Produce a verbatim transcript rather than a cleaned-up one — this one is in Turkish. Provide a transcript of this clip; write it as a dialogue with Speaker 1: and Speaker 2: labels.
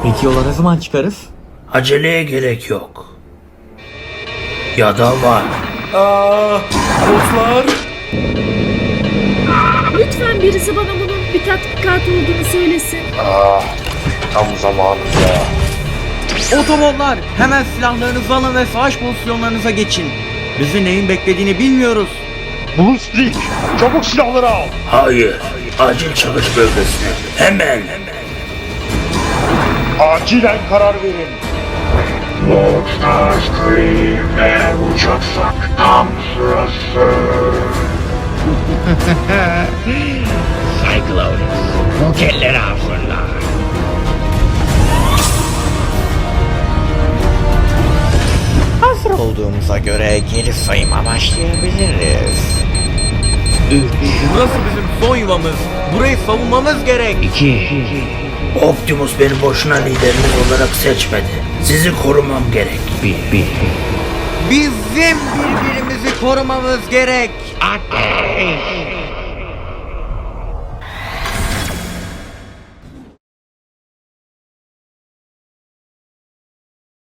Speaker 1: Peki yola ne zaman çıkarız?
Speaker 2: Aceleye gerek yok. Ya da var.
Speaker 3: Aa, botlar.
Speaker 4: Lütfen birisi bana bunun bir tatbikat olduğunu söylesin.
Speaker 5: Ah, tam zamanında.
Speaker 6: Otobollar, hemen silahlarınızı alın ve savaş pozisyonlarınıza geçin. Bizi neyin beklediğini bilmiyoruz.
Speaker 5: Blue Streak, çabuk silahları al.
Speaker 2: Hayır. Acil çıkış bölgesine. Hemen.
Speaker 5: Acilen karar verin.
Speaker 7: Lord Starscream, eğer uçaksak tam sırası. Cyclones, bu kelleri hazırla.
Speaker 6: Hazır olduğumuza göre geri sayıma başlayabiliriz. Burası bizim son yuvamız. Burayı savunmamız gerek.
Speaker 7: İki.
Speaker 2: Optimus beni boşuna liderimiz olarak seçmedi. Sizi korumam gerek.
Speaker 7: Bir. Bir.
Speaker 6: Bizim birbirimizi korumamız gerek.
Speaker 7: Ateş.